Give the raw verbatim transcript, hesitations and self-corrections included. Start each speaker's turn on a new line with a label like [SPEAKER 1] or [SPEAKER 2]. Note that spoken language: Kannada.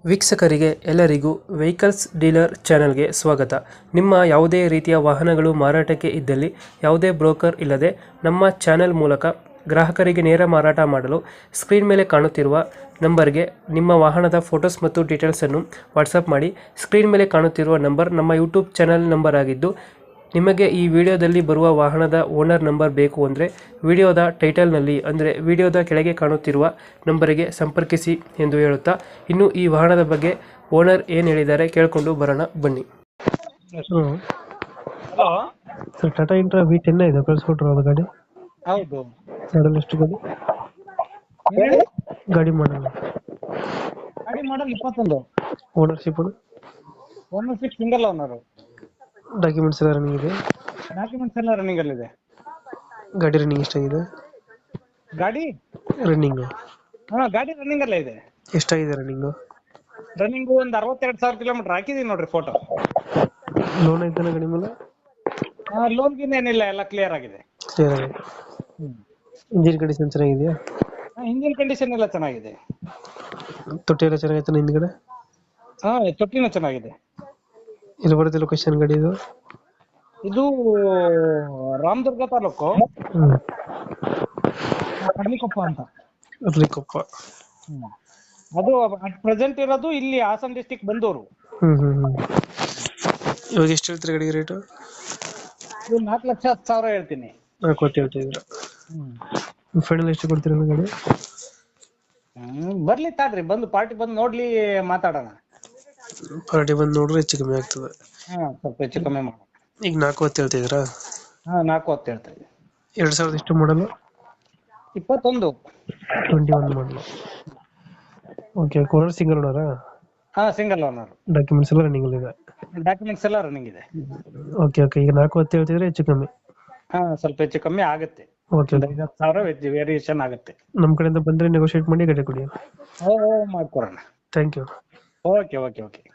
[SPEAKER 1] ವೀಕ್ಷಕರಿಗೆ ಎಲ್ಲರಿಗೂ ವೆಹಿಕಲ್ಸ್ ಡೀಲರ್ ಚಾನೆಲ್ಗೆ ಸ್ವಾಗತ. ನಿಮ್ಮ ಯಾವುದೇ ರೀತಿಯ ವಾಹನಗಳು ಮಾರಾಟಕ್ಕೆ ಇದ್ದಲ್ಲಿ ಯಾವುದೇ ಬ್ರೋಕರ್ ಇಲ್ಲದೆ ನಮ್ಮ ಚಾನೆಲ್ ಮೂಲಕ ಗ್ರಾಹಕರಿಗೆ ನೇರ ಮಾರಾಟ ಮಾಡಲು ಸ್ಕ್ರೀನ್ ಮೇಲೆ ಕಾಣುತ್ತಿರುವ ನಂಬರ್ಗೆ ನಿಮ್ಮ ವಾಹನದ ಫೋಟೋಸ್ ಮತ್ತು ಡೀಟೇಲ್ಸನ್ನು ವಾಟ್ಸಪ್ ಮಾಡಿ. ಸ್ಕ್ರೀನ್ ಮೇಲೆ ಕಾಣುತ್ತಿರುವ ನಂಬರ್ ನಮ್ಮ ಯೂಟ್ಯೂಬ್ ಚಾನೆಲ್ ನಂಬರ್ ಆಗಿದ್ದು, ನಿಮಗೆ ಈ ವಿಡಿಯೋದಲ್ಲಿ ಬರುವ ವಾಹನದ ಓನರ್ ನಂಬರ್ ಬೇಕು ಅಂದರೆ ವಿಡಿಯೋದ ಟೈಟಲ್ನಲ್ಲಿ ಅಂದರೆ ವಿಡಿಯೋದ ಕೆಳಗೆ ಕಾಣುತ್ತಿರುವ ನಂಬರಿಗೆ ಸಂಪರ್ಕಿಸಿ ಎಂದು ಹೇಳುತ್ತಾ, ಇನ್ನು ಈ ವಾಹನದ ಬಗ್ಗೆ ಓನರ್ ಏನು ಹೇಳಿದ್ದಾರೆ ಕೇಳಿಕೊಂಡು ಬರೋಣ ಬನ್ನಿ.
[SPEAKER 2] Hello.
[SPEAKER 1] Sir, Tata Intra V ten ಇದೆ ಕಳಿಸ್ಕೊಟ್ರು ಅದು ಗಾಡಿ
[SPEAKER 2] ಹೌದು.
[SPEAKER 1] ಮಾಡಲ್ ಎಷ್ಟು ಗಾಡಿ
[SPEAKER 2] ಹೇಳಿ.
[SPEAKER 1] ಗಾಡಿ ಮಾಡಲ್
[SPEAKER 2] ಗಾಡಿ ಮಾಡಲ್ ಇಪ್ಪತ್ತೊಂದು.
[SPEAKER 1] Ownership
[SPEAKER 2] ownership single owner.
[SPEAKER 1] Documents ಎಲ್ಲ ರನ್ನಿಂಗ್ ಇದೆ.
[SPEAKER 2] ಡಾಕ್ಯುಮೆಂಟ್ಸ್ ಎಲ್ಲ ರನ್ನಿಂಗ್ ಅಲ್ಲಿ ಇದೆ.
[SPEAKER 1] ಗಾಡಿ ರನ್ನಿಂಗ್ ಎಷ್ಟಾಗಿದೆ?
[SPEAKER 2] ಗಾಡಿ
[SPEAKER 1] ರನ್ನಿಂಗ್
[SPEAKER 2] ಹಾ ಗಾಡಿ ರನ್ನಿಂಗ್ ಅಲ್ಲೇ ಇದೆ.
[SPEAKER 1] ಎಷ್ಟಾಗಿದೆ ರನ್ನಿಂಗ್?
[SPEAKER 2] ರನ್ನಿಂಗ್ ಒಂದ್ ಅರವತ್ತೆರಡು ಸಾವಿರ ಕಿಲೋಮೀಟರ್ ಹಾಕಿದೀನಿ ನೋಡ್ರಿ ಫೋಟೋ.
[SPEAKER 1] ಲೋನ್ ಐತಾನ ಗಾಡಿ ಮೇಲೆ?
[SPEAKER 2] ಲೋನ್ ಗಿನ್ ಏನಿಲ್ಲ, ಎಲ್ಲ ಕ್ಲಿಯರ್ ಆಗಿದೆ.
[SPEAKER 1] ಕ್ಲಿಯರ್ ಆಗಿದೆ. ಇಂಜಿನ್ ಕಂಡೀಷನ್ ಚೆನ್ನಾಗಿದೆಯಾ?
[SPEAKER 2] ಇಂಜಿನ್ ಕಂಡೀಷನ್ ಎಲ್ಲ ಚೆನ್ನಾಗಿದೆ.
[SPEAKER 1] ತೊಟ್ಟಿ ಎಲ್ಲ ಚೆನ್ನಾಗೈತಾನ ಹಿಂದ್ಗಡೆ?
[SPEAKER 2] ಹಾ ತೊಟ್ಟಿನೂ ಚೆನ್ನಾಗಿದೆ.
[SPEAKER 1] ಇಲ್ಲಿ ಬರುತ್ತೆ ಲೊಕೇಶನ್ ಗಾಡಿ ಇದು?
[SPEAKER 2] ಇದು ರಾಮದುರ್ಗ ತಾಲೂಕು
[SPEAKER 1] ಹ್ಮ್
[SPEAKER 2] ಕಡ್ಲಿಕೊಪ್ಪ ಅಂತ.
[SPEAKER 1] ಅರ್ಲಿಕೊಪ್ಪ.
[SPEAKER 2] ಹ್ಮ್. ಅದು ಅಟ್ ಪ್ರೆಸೆಂಟ್ ಇರೋದು ಇಲ್ಲಿ ಹಾಸನ್ ಡಿಸ್ಟಿಕ್ ಬಂದೂರು.
[SPEAKER 1] ಹ್ಮ್ ಹ್ಮ್ ಹ್ಮ್ ಇವಾಗ ಎಷ್ಟು ಹೇಳ್ತೀರಿ ಗಾಡಿಗೆ ರೇಟು?
[SPEAKER 2] ಇದು ನಾಲ್ಕು ಲಕ್ಷ ಹತ್ತು ಸಾವಿರ ಹೇಳ್ತೀನಿ.
[SPEAKER 1] ನಾಲ್ಕು ಹೊತ್ತು ಹೇಳ್ತಾ ಇದ್ದೀರಾ?
[SPEAKER 2] ಹ್ಮ್.
[SPEAKER 1] ಫೈನಲ್ ಎಷ್ಟು ಕೊಡ್ತೀರಾ ಗಾಡಿ?
[SPEAKER 2] ಹ್ಮ್ ಬರ್ಲಿ ತಾಡ್ರಿ, ಬಂದು ಪಾರ್ಟಿ ಬಂದು ನೋಡ್ಲಿ, ಮಾತಾಡೋಣ.
[SPEAKER 1] ಪಾರ್ಟಿ ಬಂದು ನೋಡ್ರೆ ಹೆಚ್ಚು ಕಮ್ಮಿ ಆಗ್ತದೆ.
[SPEAKER 2] ಹಾ ಸ್ವಲ್ಪ ಹೆಚ್ಚು ಕಮ್ಮಿ ಮಾಡೋಣ.
[SPEAKER 1] ಈಗ ನಾಲ್ಕು ಹೊತ್ತು ಹೇಳ್ತಾ ಇದ್ದೀರಾ?
[SPEAKER 2] ಹಾ ನಾಲ್ಕು ಹೊತ್ತು ಹೇಳ್ತಾ ಇದ್ದೀನಿ.
[SPEAKER 1] ಎರಡ್ ಸಾವಿರದ ಎಷ್ಟು ಮಾಡಲು?
[SPEAKER 2] ಇಪ್ಪತ್ತೊಂದು.
[SPEAKER 1] ಟ್ವೆಂಟಿ ಒನ್ ಮಾಡಲು. ಓಕೆ, ಕೋನರ್ ಸಿಂಗಲ್ ಓನರಾ?
[SPEAKER 2] ಹಾ ಸಿಂಗಲ್ ಓನರ್.
[SPEAKER 1] ಡಾಕ್ಯುಮೆಂಟ್ಸ್ ಎಲ್ಲ ರನ್ನಿಂಗ್ ಇದೆ?
[SPEAKER 2] ಡಾಕ್ಯುಮೆಂಟ್ಸ್ ಎಲ್ಲ ರನ್ನಿಂಗ್ ಇದೆ.
[SPEAKER 1] ಓಕೆ ಓಕೆ ಈಗ ನಾಲ್ಕು ಹೊತ್ತು ಹೇಳ್ತಿದ್ರೆ ಹೆಚ್ಚು ಕಮ್ಮಿ?
[SPEAKER 2] ಹಾ ಸ್ವಲ್ಪ ಹೆಚ್ಚು ಕಮ್ಮಿ ಆಗುತ್ತೆ.
[SPEAKER 1] ಓಕೆ,
[SPEAKER 2] ಒಂದು ಐವತ್ತು ಸಾವಿರ ವೇರಿಯೇಷನ್ ಆಗುತ್ತೆ.
[SPEAKER 1] ನಮ್ಮ ಕಡೆಯಿಂದ ಬಂದರೆ ನೆಗೋಷಿಯೇಟ್ ಮಾಡಿ ಗಾಡಿ ಕೊಡಿ.
[SPEAKER 2] ಓ ಮಾಡ್ಕೊಡೋಣ.
[SPEAKER 1] Thank you.
[SPEAKER 2] Okay okay okay.